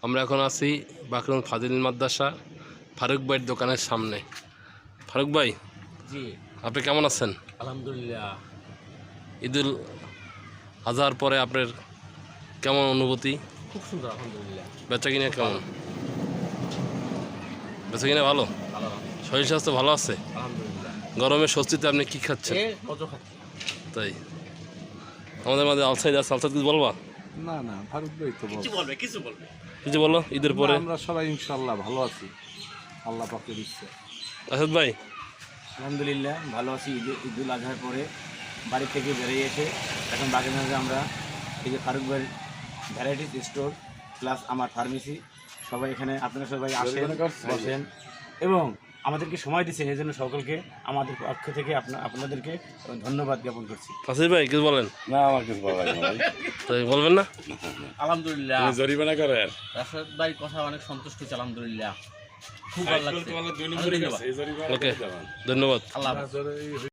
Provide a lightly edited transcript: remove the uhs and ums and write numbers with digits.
আমরা এখন আছি বাকরুল ফাজিল মাদ্রাসা ফারুক ভাইয়ের দোকানের সামনে। ফারুক ভাই, জি আপনি কেমন আছেন? আলহামদুলিল্লাহ। ঈদুল আজহার পরে আপনার কেমন অনুভূতি? খুব সুন্দর আলহামদুলিল্লাহ। বেচা কিনা কেমন? বেচা কিনা ভালো? ভালো শরীর স্বাস্থ্য ভালো আছে? আলহামদুলিল্লাহ। গরমের স্বস্তিতে আপনি কি খাচ্ছেন? কত খাচ্ছি? তাই আমাদের মাঝে আলসাইদ আছে, আলসাইদ কিছু বলবা? না না, ফারুক ভাই তো কিছু বলবে। কিছু বলো ঈদের পরে। আমরা সবাই ইনশাআল্লাহ ভালো আছি, আল্লাহ পাকের ইচ্ছে। আসাদ ভাই, আলহামদুলিল্লাহ ভালো আছি। ঈদুল আজহার পরে বাড়ি থেকে বেরিয়ে এসে এখন বাগেরহাটে আমরা এই যে ফারুক ভাইয়ের ভ্যারাইটিস স্টোর প্লাস আমার ফার্মেসি, সবাই এখানে আপনারা সবাই আসেন, বসেন এবং আমাদেরকে সময় দিচ্ছেন, এই জন্য সকলকে আমাদের পক্ষ থেকে আপনাদেরকে ধন্যবাদ জ্ঞাপন করছি। আসিফ ভাই কিছু বলেন। না, আমার কিছু বলা লাগে না ভাই। তাই বলবেন না? আলহামদুলিল্লাহ জরিমানা করেন। রাশেদ ভাই কথা অনেক সন্তুষ্ট হচ্ছে, আলহামদুলিল্লাহ খুব ভালো লাগছে। ওকে, ধন্যবাদ। আল্লাহ হাফেজ।